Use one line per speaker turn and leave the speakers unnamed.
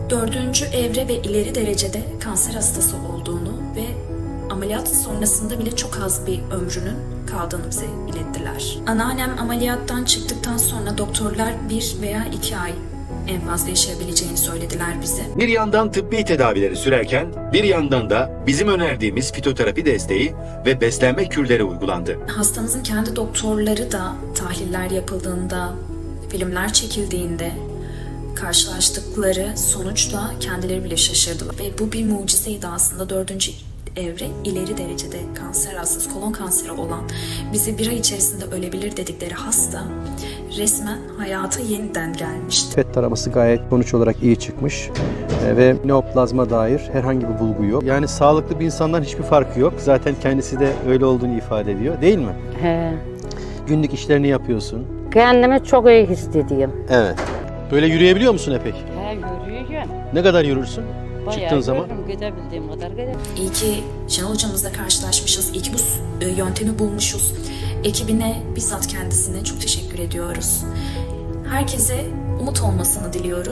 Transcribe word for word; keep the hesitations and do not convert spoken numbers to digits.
Dördüncü evre ve ileri derecede kanser hastası olduğunu ve ameliyat sonrasında bile çok az bir ömrünün kaldığını bize ilettiler. Anneannem ameliyattan çıktıktan sonra doktorlar bir veya iki ay en fazla yaşayabileceğini söylediler bize.
Bir yandan tıbbi tedavileri sürerken bir yandan da bizim önerdiğimiz fitoterapi desteği ve beslenme kürleri uygulandı.
Hastamızın kendi doktorları da tahliller yapıldığında, filmler çekildiğinde karşılaştıkları sonuçla kendileri bile şaşırdılar. Ve bu bir mucizeydi aslında. Dördüncü evre ileri derecede kanser hastası, kolon kanseri olan, bize bir ay içerisinde ölebilir dedikleri hasta resmen hayata yeniden gelmişti.
P E T taraması gayet sonuç olarak iyi çıkmış e, ve neoplazma dair herhangi bir bulgu yok. Yani sağlıklı bir insandan hiçbir farkı yok. Zaten kendisi de öyle olduğunu ifade ediyor, değil mi?
He.
Günlük işlerini yapıyorsun.
Kendimi çok iyi hissediyorum.
Evet. Böyle yürüyebiliyor musun Epek?
He, yürüyeceğim.
Ne kadar yürürsün?
Bayağı
Çıktığın zaman?
yürürüm, gidebildiğim kadar giderim.
İyi ki Şenol hocamızla karşılaşmışız, iyi ki bu e, yöntemi bulmuşuz. Ekibine, bizzat kendisine çok teşekkür ediyoruz. Herkese umut olmasını diliyoruz.